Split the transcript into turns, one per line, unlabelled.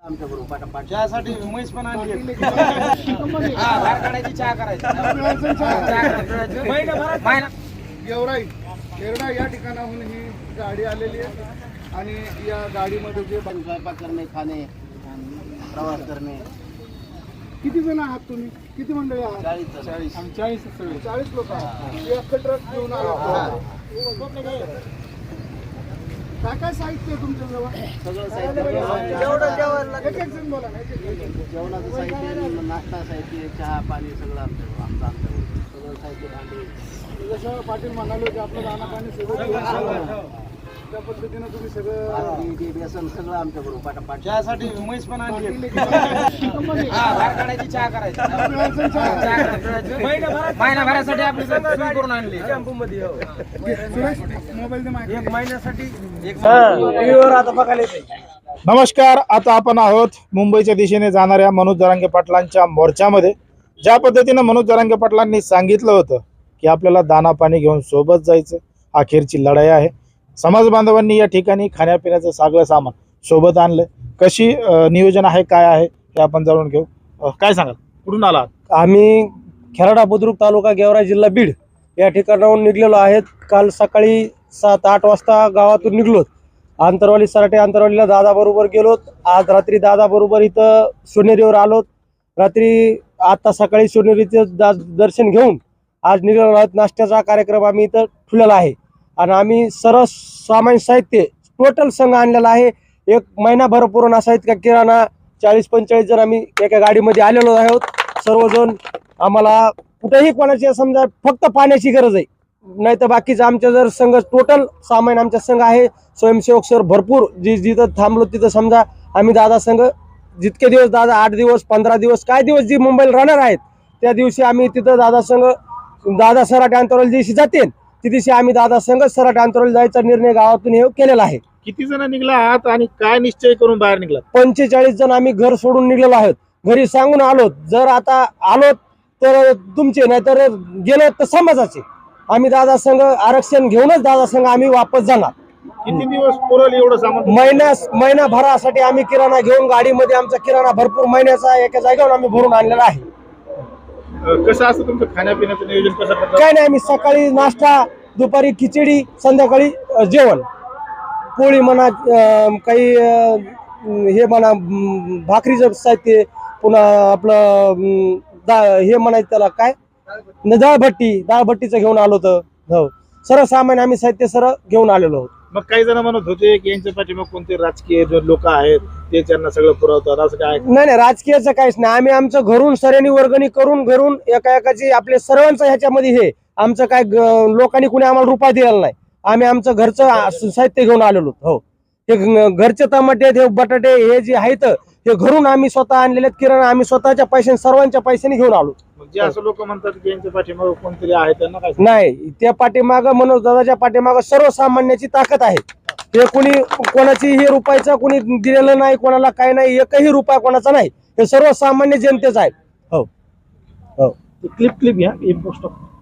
आमच्या बरोबर चहासाठी उमेश पण आणली चहा करायचा
येरडा या ठिकाणाहून ही गाडी आलेली आहे आणि या गाडीमध्ये जे
स्वयंपाक करणे, खाणे, प्रवास करणे.
किती जण आहात तुम्ही? किती मंडळी आहात? 40 लोक आहात. हे अख्खं ट्रक घेऊन आला. काय काय साहित्य आहे तुमच्या जवळ?
सगळं साहित्य,
एक एक जण बोला ना.
जेवणाचं साहित्य, नाश्ता साहित्य, चहा पाणी सगळं आमच्यावर सगळं साहित्य, भांडी.
जसं पाटील म्हणाले की आपलं दाना पाणी सगळं त्या पद्धतीनं तुम्ही सगळं
बेसन सगळं आमच्या बरोबर
चहासाठी उमेश पण आणली चहा करायचा महिनाभरासाठी आपली करून आणली
मोबाईल
एक महिन्यासाठी
नमस्कार. आता आपण आहोत मुंबईच्या दिशेने जाणाऱ्या मनोज जरांगे पाटलांच्या मोर्चामध्ये. ज्या पद्धतीनं मनोज जरांगे पाटलांनी सांगितलं होतं की आपल्याला दाना पाणी घेऊन सोबत जायचं, अखेरची लढाई आहे. समाज बांधवांनी या ठिकाणी खाण्यापिण्याचं सगळं सामान सोबत आणलं. कशी नियोजन आहे, काय आहे हे आपण जाणून घेऊ. काय सांगाल, कुठून आलात?
आम्ही खेराडा बुद्रुक तालुका गेवराई जिल्हा बीड या ठिकाणाहून निघलेलो आहेत. काल सकाळी 7-8 वाजता गावातून निघलोत. आंतरवाली सराटे आंतरवालीला दादाबरोबर गेलोत. आज रात्री दादाबरोबर इथं सोनेरीवर आलोत. रात्री आता सकाळी सोनेरीचं दर्शन घेऊन आज निघालो आहोत. नाश्त्याचा कार्यक्रम आम्ही इथं ठेवलेला आहे आणि आम्ही सर्व सामान्य साहित्य टोटल संघ आणलेला आहे. एक महिनाभर पुरवणा साहित्य किराणा 40-45 जण आम्ही एका गाडीमध्ये आलेलो आहोत. सर्वजण आम्हाला कुठेही कोणाची समजा फक्त पाण्याची गरज आहे, नाही तर बाकीचं आमच्या जर संघ टोटल सामान्य आमच्या संघ आहे. स्वयंसेवक सर भरपूर जिथं थांबलो तिथं समजा आम्ही दादा संघ जितके दिवस दादा 8 दिवस 15 दिवस काय दिवस जी मुंबईला राहणार आहेत त्या दिवशी आम्ही तिथं दादा संघ दादा सराटे अंतरावली दिवशी जातील त्या दिवशी आम्ही दादा संघ सराटे अंतरावली जायचा निर्णय गावातून हे केलेला आहे.
किती जण निघला आहात आणि काय निश्चय करून बाहेर निघला?
45 जण आम्ही घर सोडून निघलेलो आहोत. घरी सांगून आलो जर आता आलो तर तुमचे नाही तर गेलो तर समाजाचे. आम्ही दादा संघ आरक्षण घेऊनच दादा संघ आम्ही वापस जाणार.
किती दिवस पुरवले एवढं सामान?
महिनाभरासाठी आम्ही किराणा घेऊन गाडीमध्ये आमचा किराणा भरपूर महिन्याचा एका जागेवर आम्ही भरून आणलेला आहे.
कसं असतं तुमचं खाण्यापिण्याचं नियोजन कसं करतात?
काय नाही, आम्ही सकाळी नाश्ता, दुपारी खिचडी, संध्याकाळी जेवण, पोळी म्हणा, काही हे म्हणा भाकरीचं साहित्य, पुन्हा आपलं हे म्हणायचं त्याला काय दाळभट्टीचं घेऊन आलो होतं. हो, सर्वसामान्य आम्ही साहित्य सर्व घेऊन आलेलो आहोत.
मग काही जण म्हणत होते की यांच्या पाठीमाग कोणते राजकीय लोक आहेत ते त्यांना सगळं पुरवतात, असं काय?
नाही, राजकीयाचं काहीच नाही. आम्ही आमचं घरून सऱ्यानी वर्गणी करून घरून एकाची आपले सर्वांचं ह्याच्यामध्ये हे आमचं काय लोकांनी कुणी आम्हाला रुपया दिलेला नाही. आम्ही आमचं घरचं साहित्य घेऊन आलेलो. हो, हे घरचे टमाटे, हे बटाटे, हे जे आहेत हे घरून आम्ही स्वतः आणलेले किराणा आम्ही स्वतःच्या पैशाने सर्वांच्या पैशाने घेऊन आलो.
जे असं लोक म्हणतात की यांच्या पाठीमाग कोणतरी आहे त्यांना काय?
नाही, त्या पाठीमाग मनोज दादाच्या पाठीमाग सर्वसामान्याची ताकद आहे. हे कोणाची हे रुपयाचा कोणी दिलेलं नाही, कोणाला काय नाही, एकही रुपया कोणाचा नाही. हे सर्वसामान्य जनतेच आहे. हो हो,
क्लिप घ्या.